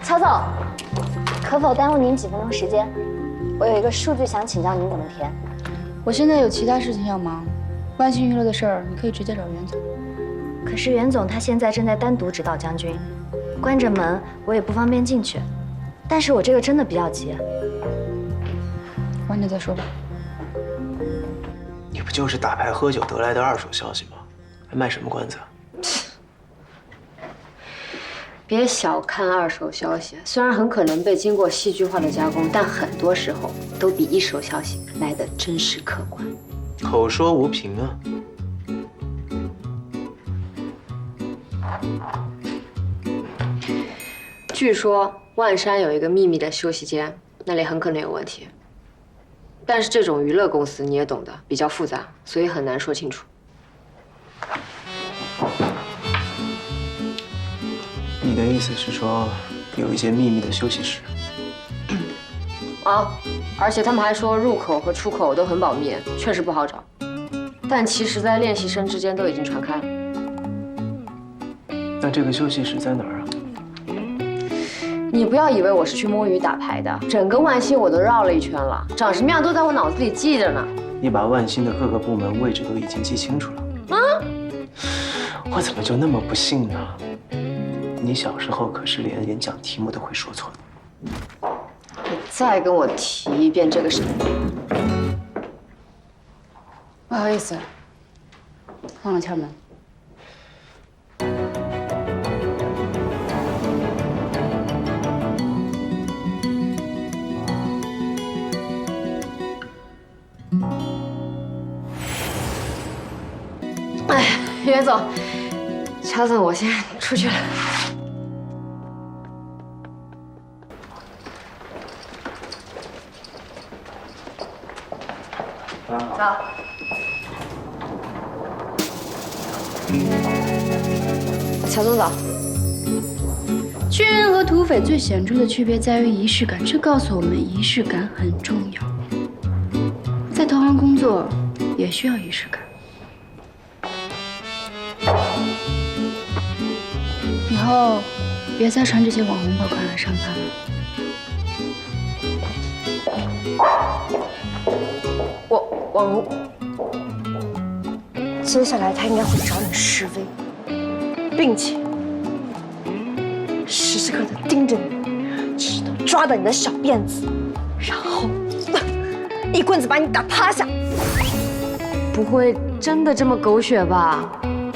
曹总，可否耽误您几分钟时间？我有一个数据想请教您怎么填。 我现在有其他事情要忙，万兴娱乐的事儿你可以直接找袁总。 可是袁总他现在正在单独指导将军，关着门，我也不方便进去。但是我这个真的比较急。 晚点再说吧。 你不就是打牌喝酒得来的二手消息吗？还卖什么关子啊？ 别小看二手消息，虽然很可能被经过戏剧化的加工，但很多时候都比一手消息来得真实客观。 口说无凭啊！ 据说万山有一个秘密的休息间，那里很可能有问题。但是这种娱乐公司你也懂得，比较复杂，所以很难说清楚。 你的意思是说，有一间秘密的休息室？ 啊，而且他们还说入口和出口都很保密，确实不好找。但其实，在练习生之间都已经传开了。 那这个休息室在哪儿啊？ 你不要以为我是去摸鱼打牌的，整个万兴我都绕了一圈了，长什么样都在我脑子里记着呢。 你把万兴的各个部门位置都已经记清楚了。啊？我怎么就那么不幸呢？你小时候可是连演讲题目都会说错的。 你再跟我提一遍这个事。 不好意思，忘了敲门。 哎，袁总，乔总，我先出去了。走。乔总早。 巨人和土匪最显著的区别在于仪式感，这告诉我们仪式感很重要。在投行工作也需要仪式感。以后别再穿这些网红爆款来上班了。 网红， 接下来他应该会找你示威，并且时时刻刻盯着你，直到抓到你的小辫子，然后一棍子把你打趴下。 不会真的这么狗血吧？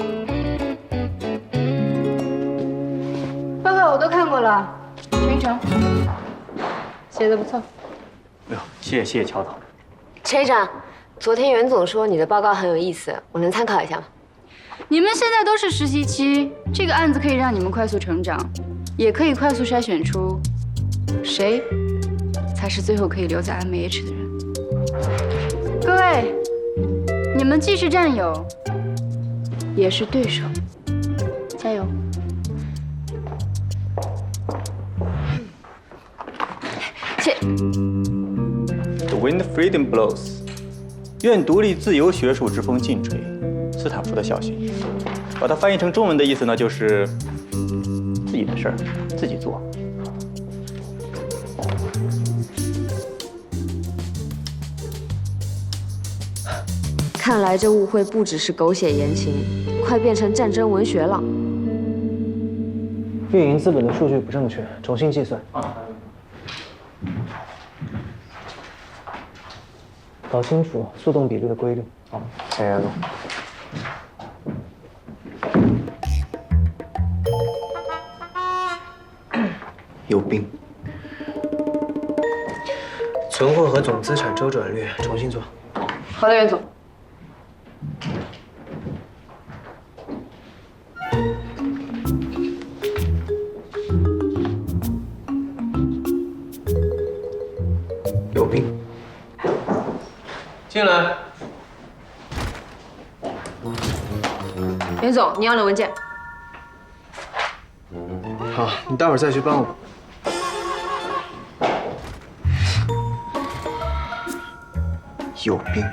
报告我都看过了，陈一成写的不错。 哎呦，谢谢乔总。 陈一长，昨天袁总说你的报告很有意思，我能参考一下吗？ 你们现在都是实习期，这个案子可以让你们快速成长，也可以快速筛选出谁才是最后可以留在 MH 的人。各位，你们既是战友，也是对手，加油！ 谢。 The wind freedom blows， 愿独立自由学术之风劲吹，斯坦福的校训。把它翻译成中文的意思呢，就是自己的事儿自己做。 看来这误会不只是狗血言情，快变成战争文学了。 运营资本的数据不正确，重新计算。搞清楚速动比率的规律。好，下言路。有病。存货和总资产周转率重新做。 好的，袁总。 有病。进来。 袁总，你要的文件。 好，你待会儿再去帮我。有病！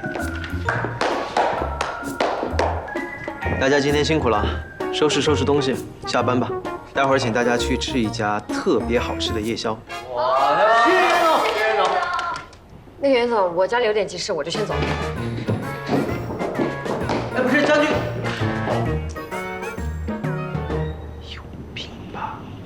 大家今天辛苦了，收拾收拾东西，下班吧。 待会儿请大家去吃一家特别好吃的夜宵。 那个袁总，我家里有点急事，我就先走了。